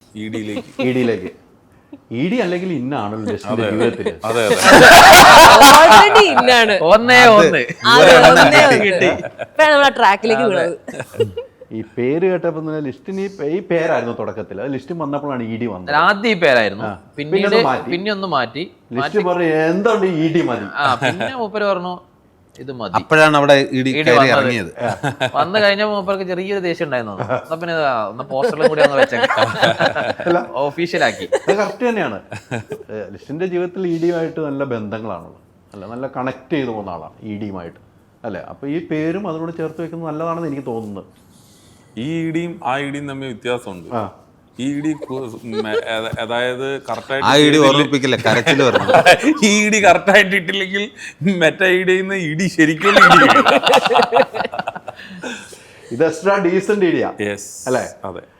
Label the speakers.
Speaker 1: ഇഡിയിലേക്ക്. ED അല്ലെങ്കിൽ ഇന്നാണല്ലോ ലിസ്റ്റിന്റെ ജീവിതത്തിൽ.
Speaker 2: അതെ
Speaker 3: ഓൾറെഡി ഇന്നാണ്. നമ്മളെ ട്രാക്കിലേക്ക് വീണത്.
Speaker 1: ഈ പേര് കേട്ടപ്പോ ലിസ്റ്റിന് ഈ പേരായിരുന്നു തുടക്കത്തിൽ. അത് ലിസ്റ്റ് വന്നപ്പോഴാണ് ഇഡി വന്നത്.
Speaker 4: ആദ്യം ഈ പേരായിരുന്നു, പിന്നീട് പിന്നെ ഒന്ന് മാറ്റി.
Speaker 1: ലിസ്റ്റ് പറഞ്ഞു എന്തുകൊണ്ട് ഇഡി മതി.
Speaker 4: പിന്നെ മൂപ്പര് പറഞ്ഞു ഇത് മതി.
Speaker 2: അപ്പോഴാണ് അവിടെ ഇറങ്ങിയത്.
Speaker 4: വന്നു കഴിഞ്ഞ മൂപ്പർക്ക് ചെറിയൊരു ദേഷ്യം ഉണ്ടായിരുന്നു. എന്നാ പിന്നെ ഒന്ന് പോസ്റ്ററിലും കൂടി ഒന്ന് വെച്ചേക്കാം, ഒഫീഷ്യലാക്കി.
Speaker 1: അത് കറക്റ്റ് തന്നെയാണ്. ലിസ്റ്റിന്റെ ജീവിതത്തിൽ ഇഡിയുമായിട്ട് നല്ല ബന്ധങ്ങളാണുള്ളത്. നല്ല കണക്ട് ചെയ്ത് പോകുന്ന ആളാണ് ഇഡിയുമായിട്ട് അല്ലേ. അപ്പൊ ഈ പേരും അതിനോട് ചേർത്ത് വെക്കുന്നത് നല്ലതാണെന്ന് എനിക്ക് തോന്നുന്നത്.
Speaker 5: ഈ ഇഡിയും ആ ഇഡിയും തമ്മിൽ വ്യത്യാസമുണ്ട്. ഈ ഇഡി അതായത് ഈ ഇഡി കറക്റ്റായിട്ട് ഇട്ടില്ലെങ്കിൽ മറ്റേ ഇടിന്ന് ഇടി ശരിക്കും
Speaker 1: ഇത് എക്സ്ട്രാ ഡീസന്റ് ഇഡിയാ
Speaker 5: യെസ്
Speaker 1: അല്ലേ.
Speaker 5: അതെ.